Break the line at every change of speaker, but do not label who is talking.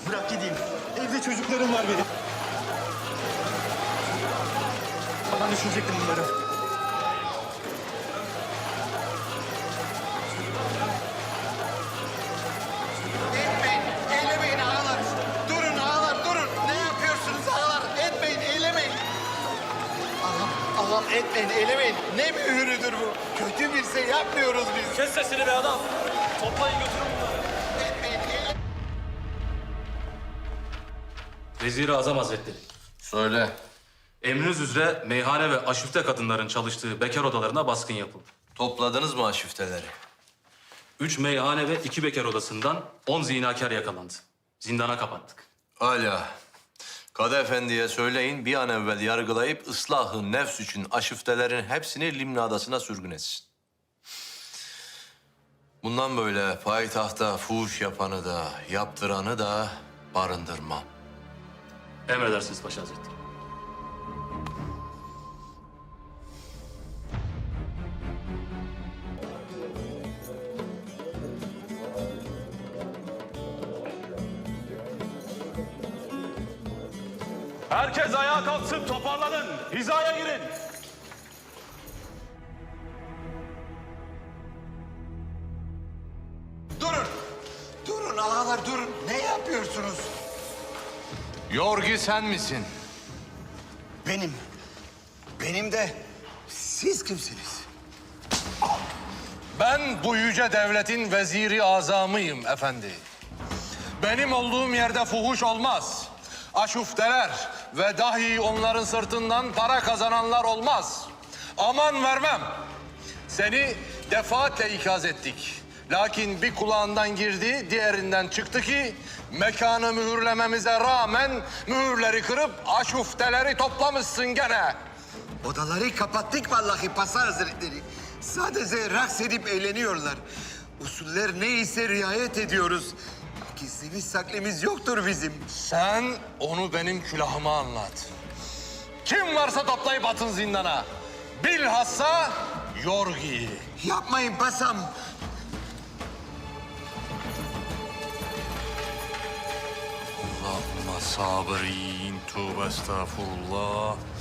Bırak gideyim. Evde çocuklarım var benim. Ben düşünecektim bunları.
Etmeyin, eylemeyin ağalar. Durun ağalar, durun. Ne yapıyorsunuz ağalar? Etmeyin, eylemeyin. Ağam etmeyin, eylemeyin. Ne mühürüdür bu? Kötü bir şey yapmıyoruz biz.
Kes sesini be adam. Toplayın götürün bunları.
Etmeyin, eylemeyin.
Vezir-i Azam Hazretleri.
Söyle.
Emriniz üzere meyhane ve aşifte kadınların çalıştığı bekar odalarına baskın yapıldı.
Topladınız mı aşifteleri?
3 meyhane ve 2 bekar odasından 10 zinakar yakalandı. Zindana kapattık.
Hala. Kadı Efendi'ye söyleyin bir an evvel yargılayıp ıslahı nefs için aşiftelerin hepsini Limna Adası'na sürgün etsin. Bundan böyle payitahta fuhuş yapanı da yaptıranı da barındırmam.
Emredersiniz Paşa Hazretleri. Herkes ayağa kalksın, toparlanın. Hizaya girin.
Durun. Durun ağalar, durun. Ne yapıyorsunuz?
Yorgi sen misin?
Benim. Benim de siz kimsiniz?
Ben bu yüce devletin veziri azamıyım efendi. Benim olduğum yerde fuhuş olmaz. Aşufteler ve dahi onların sırtından para kazananlar olmaz. Aman vermem. Seni defaatle ikaz ettik. Lakin bir kulağından girdi, diğerinden çıktı ki mekanı mühürlememize rağmen mühürleri kırıp aşufteleri toplamışsın gene.
Odaları kapattık vallahi Pasa Hazretleri. Sadece raks edip eğleniyorlar. Usuller neyse riayet ediyoruz. Gizlimiz saklımız yoktur bizim.
Sen onu benim külahıma anlat. Kim varsa toplayıp atın zindana. Bilhassa Yorgi'yi.
Yapmayın Pasam.
Allahümme sabirin, tövbe estağfurullah.